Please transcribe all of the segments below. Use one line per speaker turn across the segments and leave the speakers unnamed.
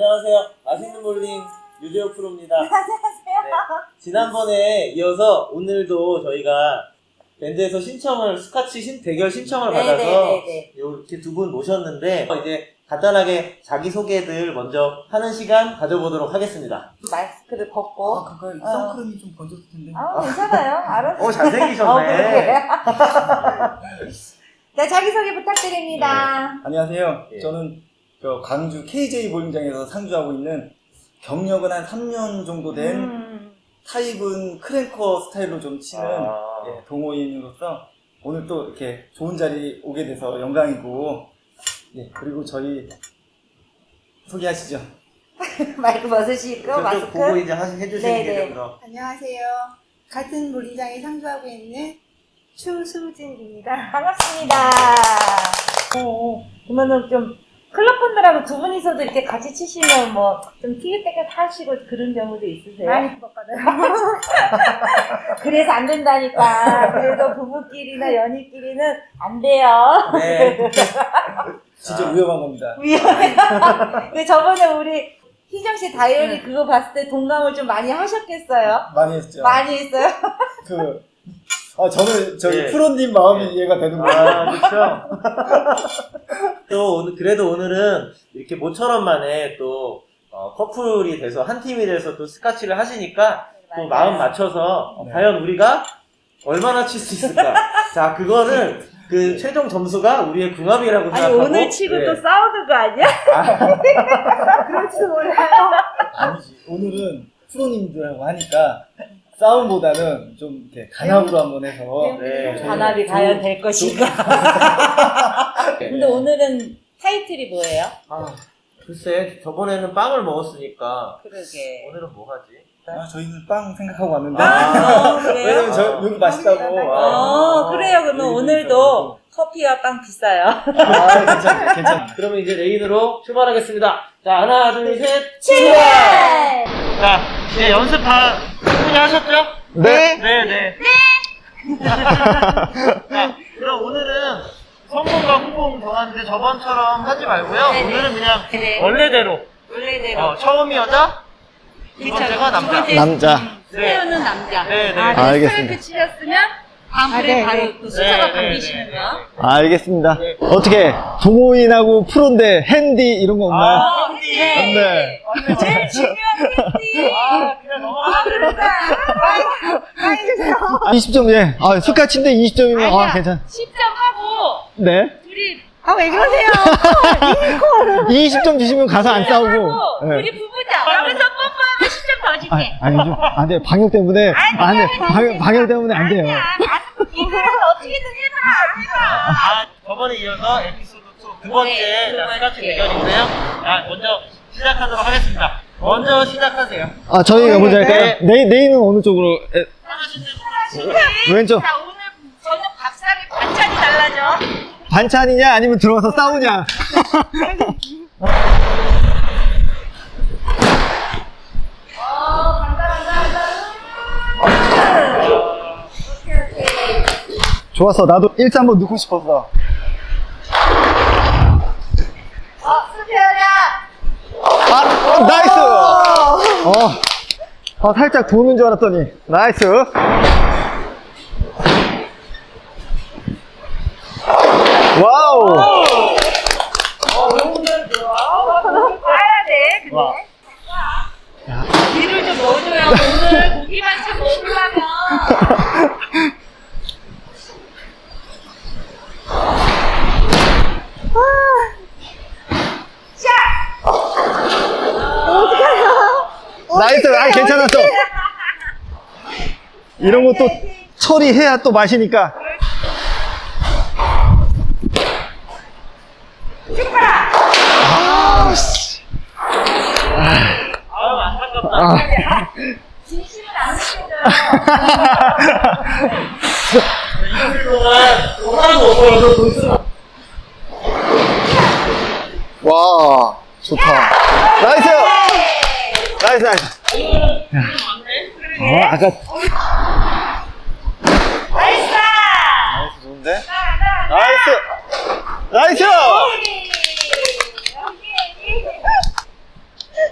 안녕하세요. 맛있는 볼링 유재호 프로입니다.
안녕하세요.
네, 지난번에 이어서 오늘도 저희가 밴드에서 스카치 대결 신청을 받아서 이렇게 두 분 모셨는데 이제 간단하게 자기소개들 먼저 하는 시간 가져보도록 하겠습니다.
마스크를 벗고.
그거 선크림이 좀 번졌을 텐데.
괜찮아요. 알았어요.
잘생기셨네.
자, 자기소개 부탁드립니다.
네. 안녕하세요.
예.
저는 광주 KJ 볼링장에서 상주하고 있는 경력은 한 3년 정도 된 타입은 크랭커 스타일로 좀 치는 동호인으로서 오늘 또 이렇게 좋은 자리 오게 돼서 영광이고, 그리고 저희 소개하시죠.
마이크 벗으시고 마스크
보고 이제 해주시는 게 됩니다.
안녕하세요. 같은 볼링장에 상주하고 있는 추수진입니다.
반갑습니다. 그러면은 좀 클럽분들하고 두 분이서도 이렇게 같이 치시면 뭐 좀 티격태격 하시고 그런 경우도 있으세요?
많이 부럽거든요.
그래서 안 된다니까. 그래서 부부끼리나 연인끼리는 안 돼요.
네.
진짜 위험한 겁니다.
위험해요. 근데 저번에 우리 희정씨 다이어리 그거 봤을 때 동감을 좀 많이 하셨겠어요?
많이 했죠.
많이 했어요?
저는 저희
네.
프로님 마음이 이해가 되는 거예요.
그렇죠. 또 그래도 오늘은 이렇게 모처럼 만에 또 커플이 돼서 한 팀이 돼서 또 스카치를 하시니까 또 마음 맞춰서 과연 우리가 얼마나 칠 수 있을까. 자, 그거는 그 최종 점수가 우리의 궁합이라고
아니
생각하고.
오늘 치고 또 싸우는 거 아니야? 그럴지도 몰라요.
아니지. 오늘은 프로님들하고 하니까 싸움보다는 좀 이렇게 간합으로 한번 해서
단합이 과연 될 것인가. 근데 오늘은 타이틀이 뭐예요?
글쎄, 저번에는 빵을 먹었으니까
그러게.
오늘은 뭐 하지?
저희는 빵 생각하고 왔는데
그래요?
왜냐면 여기 맛있다고.
그래요. 그러면
여기
오늘도 커피와 빵 비싸요.
괜찮아.
그러면 이제 레인으로 출발하겠습니다. 자, 하나, 둘, 셋.
출발!
자, 이제 연습 다 충분히 하셨죠?
네.
네. 자, 그럼 오늘은 성공과 후공 정하는데 저번처럼 하지 말고요.
네네.
오늘은 그냥
네.
원래대로.
원래대로.
처음이 여자, 두 번째가 남자.
남자.
스페어는 남자.
네.
알겠습니다.
스트레이트 치셨으면 다음번에 바로 또 숫자가 바뀌시는 거.
알겠습니다. 어떻게 동호인하고 프로인데 핸디 이런 거 없나요? 네.
제일 중요한 팬티.
그냥 넘어가면
그러니까.
20점, 예. 스카치인데 20점이면, 괜찮아.
10점 하고,
네.
둘이. 왜 그러세요?
20점 주시면 가서 안 싸우고. 네.
우리 부부자. 그러면서 뽀뽀하면 10점 더 줄게.
아니죠. 안 돼. 방역 때문에. 안 돼. 방역 때문에 안 돼요.
이거라도 어떻게든 해봐.
저번에 이어서 에피소드 2 두 번째 스카치 대결인데요. 먼저 시작하도록 하겠습니다. 먼저 시작하세요.
저희가 먼저 할까요? 네이는 어느 쪽으로? 왼쪽.
자, 오늘 저녁 밥상에 반찬이 달라져.
반찬이냐? 아니면 들어가서 싸우냐? 좋았어. 나도 1차 한번 넣고 싶었어.
수표야.
나이스! 살짝 도는 줄 알았더니. 나이스! 와우!
봐야 돼, 근데. 뒤를 좀 넣어줘요. 오늘 고기만 참 먹으려면.
나이스! 괜찮았어! 이런 것도 처리해야 또 맛이니까.
안타깝다.
진심은 안 쓰셔줘요.
이틀 동안 하나도 못 벌어서 돈 쓰고.
와, 좋다. 나이스! 나이스. 아까.
나이스!
좋은데? 나이스! 나이스!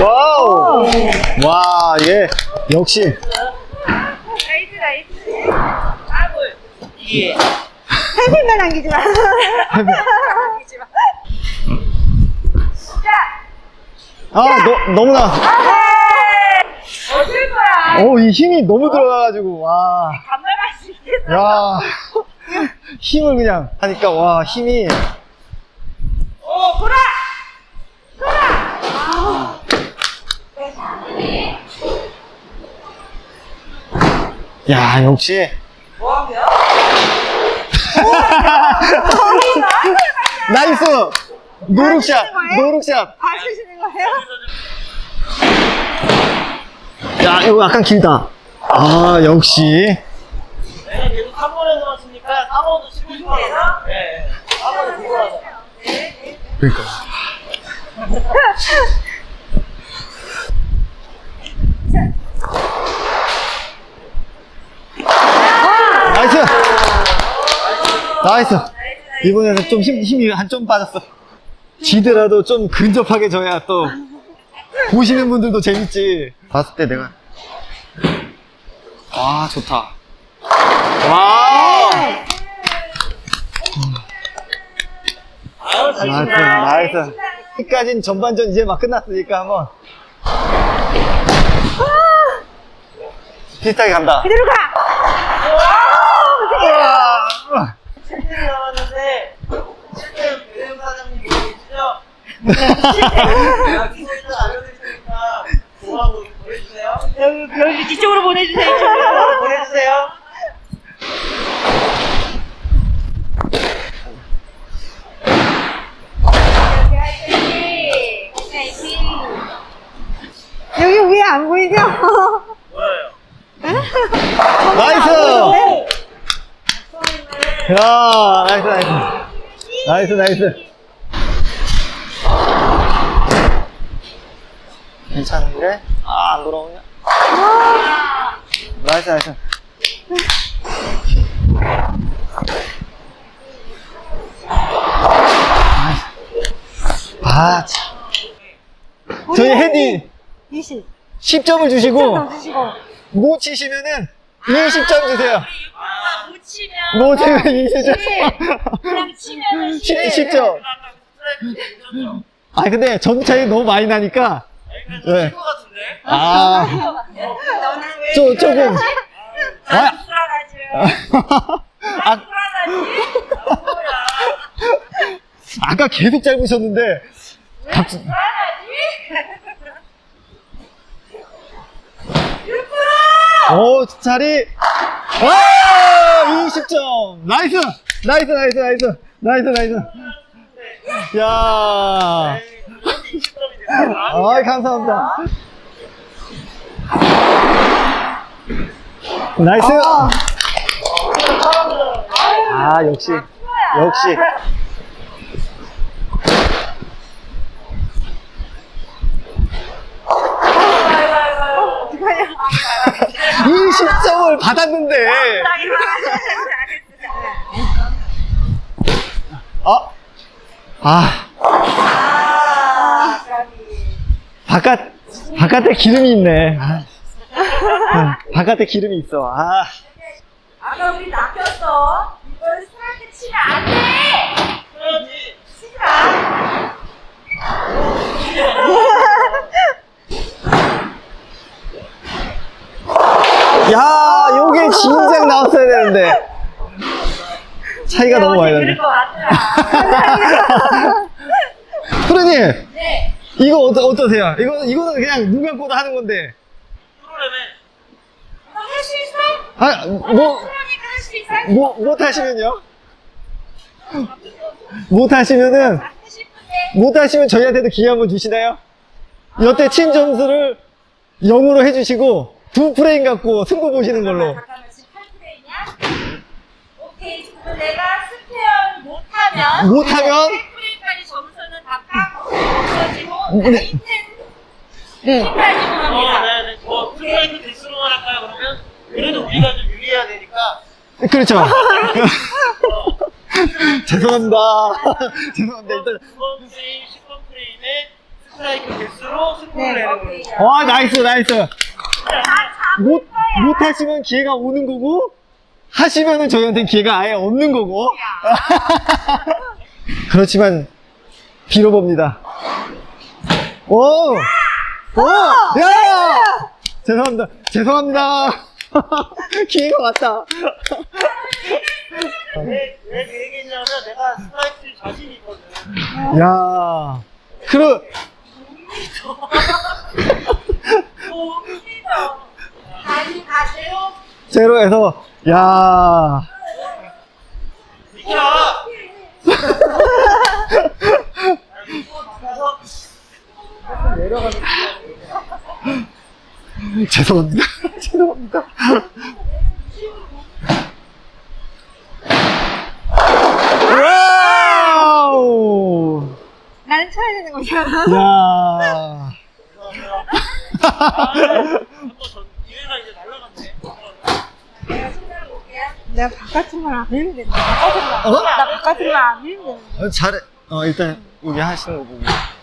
와우! 와, 예. 역시.
나이스, 나이스. 아골. 예.
8분만 남기지 마. 남기지 마.
너무나.
어쩔 거야.
이 힘이 너무 들어가가지고, 와.
반말할 수 있겠어.
야. 힘을 그냥 하니까, 와, 힘이.
보라!
야, 역시.
뭐하고요?
나이스! 노룩샷! 노룩샷!
봐주시는 거예요?
야, 이거 약간 길다. 아, 역시.
내가 계속 3번에서만 치니까 4번도 치고 싶어. 네. 4번을 보고 하자.
그러니까. 나이스! 나이스! 이번에는 좀 힘이 한 점 빠졌어. 지더라도 좀 근접하게 져야 또 보시는 분들도 재밌지. 봤을 때 내가 와 좋다. 와
아유, 잘
나이스
친다.
나이스. 끝까진 전반전 이제 막 끝났으니까 한번 비슷하게 간다.
그대로 가.
우와.
7대 남았는데 7대 배우 사장님 보이시죠? 약속 일단 알려드릴 테니까 좋아하고 보내주세요.
여기 뒤쪽으로 보내주세요.
이쪽으로 보내주세요.
여기 위에 안 보이죠?
뭐예요?
나이스! 야, 나이스, 나이스. 나이스, 나이스. 괜찮은데? 아, 안 돌아오냐? 나이스, 나이스. 아, 참. 저희 헤디
20.
10점을 주시고,
주시고.
못 치시면은 20점 주세요.
못 치면
못 치면 20점.
그냥 치면은
10점. 아, 근데 점 차이 너무 많이 나니까. 네.
친구 같은데?
아,
너는 왜
조금. 아,
불안하지?
아,
불안하지?
아까 계속 짧으셨는데. 갑자기. 오, 자리. 와! 20점. 나이스! 나이스, 나이스, 나이스. 나이스, 나이스. 야. 아이, 감사합니다. 나이스. 아, 역시. 역시.
어떡하냐.
20점을 받았는데. 바깥에 기름이 있네. 바깥에 기름이 있어.
아까 우리 낚였어. 이걸 술한테 치면 안 돼. 치지 마.
야, 요게 진작 나왔어야 되는데. 차이가 너무 많이 나네.
그럴 것 같아.
프로님,
네.
이거 어떠세요? 이거는 그냥 눈 감고도 하는 건데.
할 수 있어?
아,
그러니까 할 수 있어?
못하시면요? 못하시면은,
하고 싶은데.
못하시면 저희한테도 기회 한번 주시나요? 여태 친 점수를 0으로 해주시고, 2프레임 갖고 승부 보시는 걸로.
잠깐만, 지금 8프레임이야? 오케이. 그럼 내가 스페어를 못하면.
못하면?
8프레임까지 점수는 다 까고, 없어지고,
네.
아이템.
네.
팀까지만 합니다.
네네. 뭐, 스트라이크 개수로만 할까요, 그러면? 그래도 우리가 좀 유리해야 되니까.
그렇죠. 죄송합니다. 죄송합니다. 일단,
9번 프레임, 10번 프레임에 스트라이크 개수로 승부를
네.
내는 거예요.
와, 나이스, 나이스. 못 하시면 기회가 오는 거고, 하시면은 저희한테는 기회가 아예 없는 거고. 그렇지만, 빌어봅니다. 오! 오! 야! 죄송합니다. 죄송합니다. 기회가 왔다.
왜 그 얘기했냐면 내가 스트라이크 자신이 있거든.
야. 그러,
다시 가세요.
제로에서, 야.
비켜!
죄송합니다. 죄송합니다. 와우!
나는 쳐야 되는 거잖아.
야.
기회가 이제 날라갔네.
내가 바깥으로만 안 밀면 된다.
어?
나 바깥으로만 안 밀면 된다.
잘해. 일단, 여기 하시는 거 보고.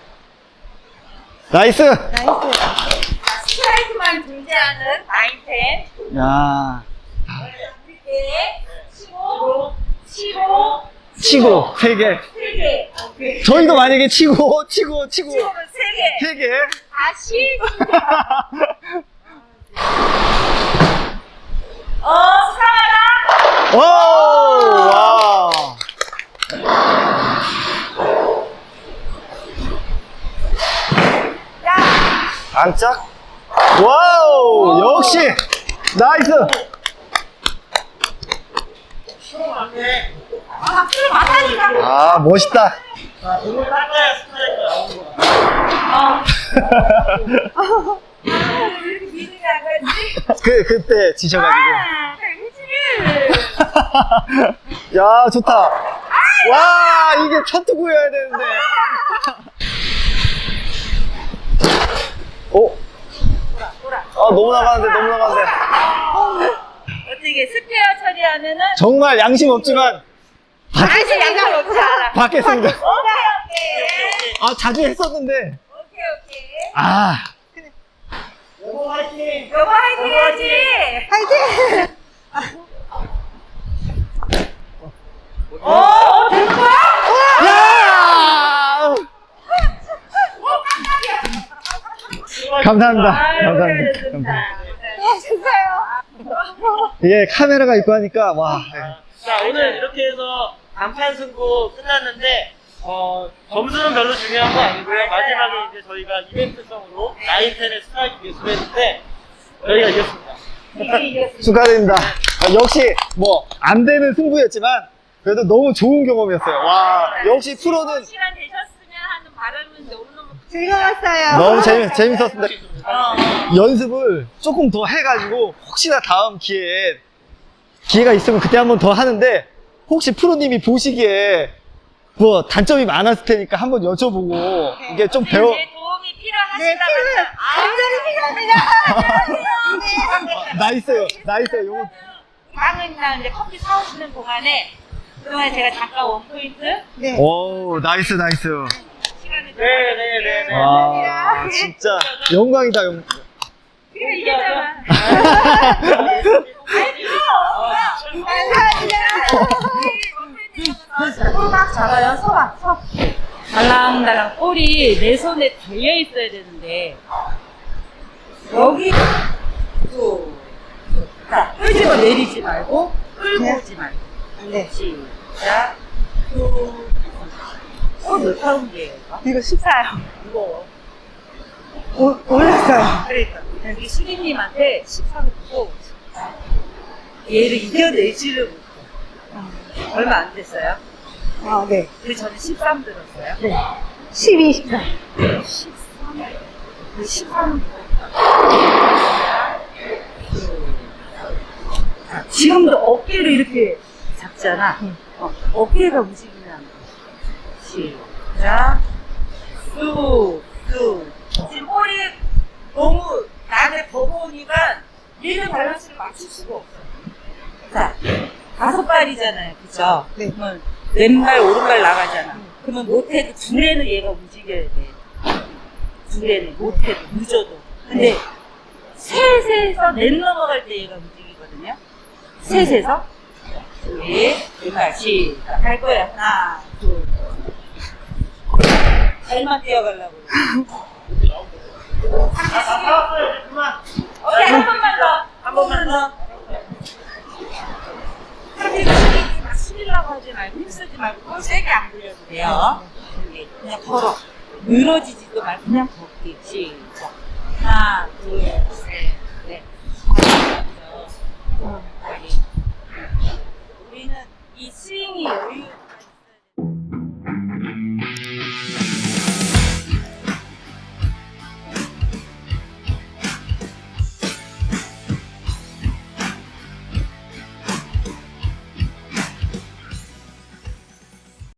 나이스!
나이스.
스트라이크만 존재하는 나인텐.
야.
네. 치고,
치고, 3개.
3개.
저희도 만약에 치고.
치고는 3개.
3개.
다시. 사랑하라.
오! 와. 안짝? 와우! 역시! 나이스!
박수를 맞다니까.
아, 멋있다.
공을 닦아야 스트라이크가 나오는 거야.
왜 이렇게 기분이 안 가지?
그때 지셔가지고.
그치.
야, 좋다. 와, 이게 첫 투구여야 되는데. 오. 너무 나가는데, 너무 나가는데.
어떻게 스페어 처리하면은
정말 양심 없지만,
다시 양말 없지 않아.
받겠습니다.
오케이.
자주 했었는데.
오케이.
아.
여보 화이팅!
여보 화이팅 해야지.
파이팅!
되는 거야?
야! 감사합니다. 감사합니다. 감사합니다.
수고하셨어요.
이게 카메라가 있고 하니까, 와.
자, 오늘 이렇게 해서 단판 승부 끝났는데, 점수는 별로 중요한 거 아니고요. 마지막에 이제 저희가 이벤트성으로 나인텐의 스트라이크 예술을 했는데, 저희가 이겼습니다.
축하드립니다. 역시, 안 되는 승부였지만, 그래도 너무 좋은 경험이었어요. 와, 역시 프로는
시간 되셨으면 하는 바람인데 오늘 너무
즐거웠어요.
너무 재밌었습니다. 연습을 조금 더 해가지고, 혹시나 다음 기회가 있으면 그때 한번 더 하는데, 혹시 프로님이 보시기에, 단점이 많았을 테니까 한번 여쭤보고, 이게 좀
제 도움이 필요하시다면
완전히 필요합니다.
나이스요. 요거.
방은이나 이제 커피 사오시는 동안에 그동안에 제가 잠깐 원포인트
네.
오, 나이스.
시간을
네네네.
와, 진짜 영광이다.
그래 이겼잖아. 딱 잡아요. 서. 달랑달랑 볼이 내 손에 달려 있어야 되는데 여기 자, 끌지고 내리지 말고 끌고 오지 말고
네.
시작 몇 파운드예요 이거?
이거 14요.
무거워.
올랐어요.
그러니까 여기 수리님한테 13을 무거워 얘를 이겨내지를 못해 얼마 안 됐어요?
네.
그 전에 13 들었어요?
네. 12, 14.
13 지금도 어깨를 이렇게 잡잖아. 어깨가 움직이면 안 돼. 시작. 쑥. 지금 볼이 너무 나한테 버거우니까 얘는 밸런스를 맞출 수가 없어. 자, 5발이잖아요. 그죠?
네.
그러면 왼발, 오른발 나가잖아. 그러면 못해도 둘에는 얘가 움직여야 돼. 둘에는 못해도 늦어도. 근데 셋에서 넷 넘어갈 때 얘가 움직이거든요. 셋에서 둘, 넷, 시작 할 거야. 하나, 둘. 잘만 뛰어가려고. 오케이, 한 번만 더. 한 번만 더. 그렇게 막 숙이려고 하지 말고 힘쓰지 말고 세게 안 굴려도 돼요. 그냥 걸어. 늘어지지도 말고 그냥 걷기. 시작. 하나, 둘, 셋, 넷. 우리는 이 스윙이 여유